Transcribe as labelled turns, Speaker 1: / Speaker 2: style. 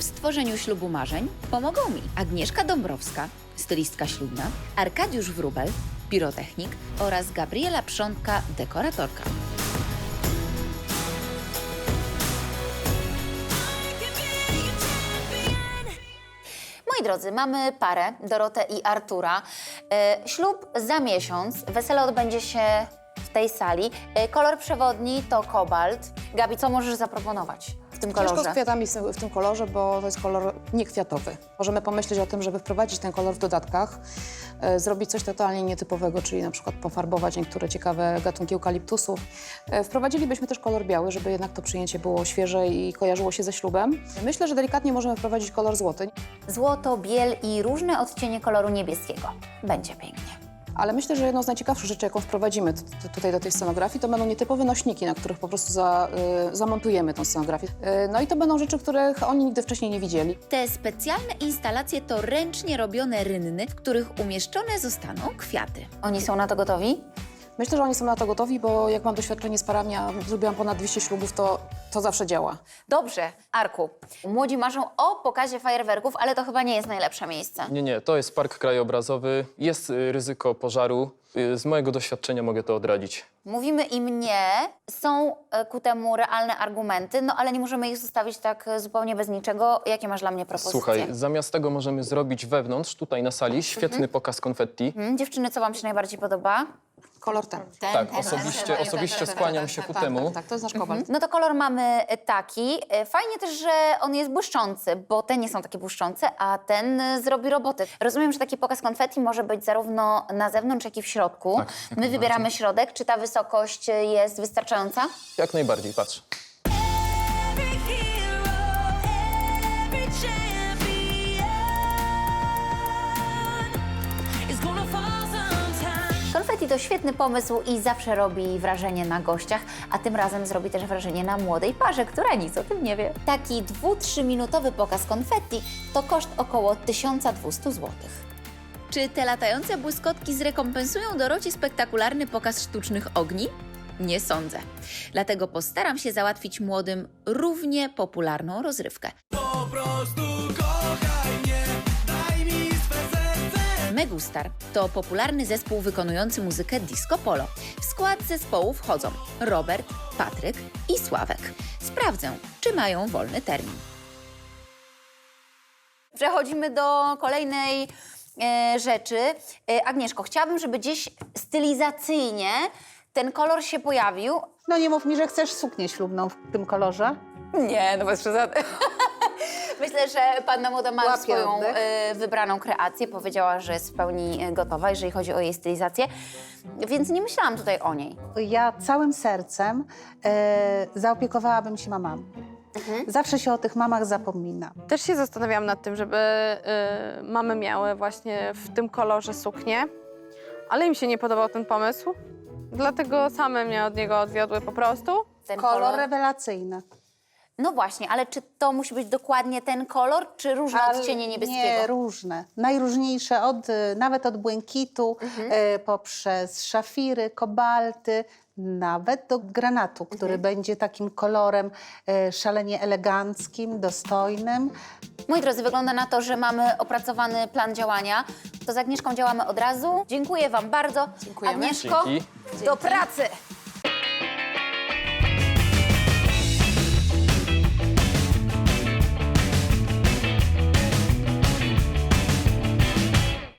Speaker 1: W stworzeniu ślubu marzeń pomogą mi Agnieszka Dąbrowska, stylistka ślubna, Arkadiusz Wróbel, pirotechnik oraz Gabriela Przątka, dekoratorka. Moi drodzy, mamy parę, Dorotę i Artura. Ślub za miesiąc, wesele odbędzie się w tej sali. Kolor przewodni to kobalt. Gabi, co możesz zaproponować w tym kolorze?
Speaker 2: Ciężko z kwiatami w tym kolorze, bo to jest kolor niekwiatowy. Możemy pomyśleć o tym, żeby wprowadzić ten kolor w dodatkach, zrobić coś totalnie nietypowego, czyli na przykład pofarbować niektóre ciekawe gatunki eukaliptusów. Wprowadzilibyśmy też kolor biały, żeby jednak to przyjęcie było świeże i kojarzyło się ze ślubem. Myślę, że delikatnie możemy wprowadzić kolor złoty,
Speaker 1: Złoto, biel i różne odcienie koloru niebieskiego. Będzie pięknie.
Speaker 2: ale myślę, że jedną z najciekawszych rzeczy, jaką wprowadzimy tutaj do tej scenografii, to będą nietypowe nośniki, na których po prostu zamontujemy tą scenografię. No i to będą rzeczy, których oni nigdy wcześniej nie widzieli.
Speaker 1: Te specjalne instalacje to ręcznie robione rynny, w których umieszczone zostaną kwiaty. Oni są na to gotowi?
Speaker 2: Myślę, że oni są na to gotowi, bo jak mam doświadczenie z parami, a zrobiłam ponad 200 ślubów, to zawsze działa.
Speaker 1: Dobrze, Arku. Młodzi marzą o pokazie fajerwerków, ale to chyba nie jest najlepsze miejsce.
Speaker 3: Nie, to jest park krajobrazowy. Jest ryzyko pożaru. Z mojego doświadczenia mogę to odradzić.
Speaker 1: Mówimy im nie, są ku temu realne argumenty, no ale nie możemy ich zostawić tak zupełnie bez niczego. Jakie masz dla mnie propozycje?
Speaker 3: Słuchaj, zamiast tego możemy zrobić wewnątrz, tutaj na sali, świetny pokaz konfetti.
Speaker 1: Dziewczyny, co wam się najbardziej podoba?
Speaker 2: Kolor ten.
Speaker 3: Tak, osobiście skłaniam się ku temu.
Speaker 2: Tak, to jest nasz kobalt.
Speaker 1: No to kolor mamy taki. Fajnie też, że on jest błyszczący, bo te nie są takie błyszczące, a ten zrobi robotę. Rozumiem, że taki pokaz konfetti może być zarówno na zewnątrz, jak i w środku.
Speaker 3: Tak, jak
Speaker 1: My wybieramy środek. Czy ta wysokość jest wystarczająca?
Speaker 3: Jak najbardziej, patrz.
Speaker 4: Every hero, every champion is gonna fall sometime.
Speaker 1: Konfetti to świetny pomysł i zawsze robi wrażenie na gościach, a tym razem zrobi też wrażenie na młodej parze, która nic o tym nie wie. Taki 2-3 minutowy pokaz konfetti to koszt około 1200 zł. Czy te latające błyskotki zrekompensują Dorocie spektakularny pokaz sztucznych ogni? Nie sądzę. Dlatego postaram się załatwić młodym równie popularną rozrywkę.
Speaker 5: Po prostu kochaj mnie, daj mi swe serce.
Speaker 1: Megustar to popularny zespół wykonujący muzykę disco polo. W skład zespołu wchodzą Robert, Patryk i Sławek. Sprawdzę, czy mają wolny termin. Przechodzimy do kolejnej rzeczy. Agnieszko, chciałabym, żeby gdzieś stylizacyjnie ten kolor się pojawił.
Speaker 6: No nie mów mi, że chcesz suknię ślubną w tym kolorze.
Speaker 1: Nie, no bez przesady. Myślę, że panna młoda ma
Speaker 6: Łapie
Speaker 1: swoją
Speaker 6: oddech.
Speaker 1: wybraną kreację. Powiedziała, że jest w pełni gotowa, jeżeli chodzi o jej stylizację. Więc nie myślałam tutaj o niej.
Speaker 6: Ja całym sercem zaopiekowałabym się mamami. Zawsze się o tych mamach zapomina.
Speaker 7: Też się zastanawiałam nad tym, żeby mamy miały właśnie w tym kolorze suknię, ale im się nie podobał ten pomysł, dlatego same mnie od niego odwiodły po prostu.
Speaker 1: Ten
Speaker 6: Kolor rewelacyjny.
Speaker 1: No właśnie, ale czy to musi być dokładnie ten kolor, czy różne odcienie niebieskiego?
Speaker 6: Nie, różne. Najróżniejsze, nawet od błękitu, poprzez szafiry, kobalty, nawet do granatu, który będzie takim kolorem szalenie eleganckim, dostojnym.
Speaker 1: Moi drodzy, wygląda na to, że mamy opracowany plan działania. To z Agnieszką działamy od razu. Dziękuję wam bardzo.
Speaker 2: Dziękujemy.
Speaker 1: Agnieszko,
Speaker 3: Dzięki.
Speaker 1: do pracy!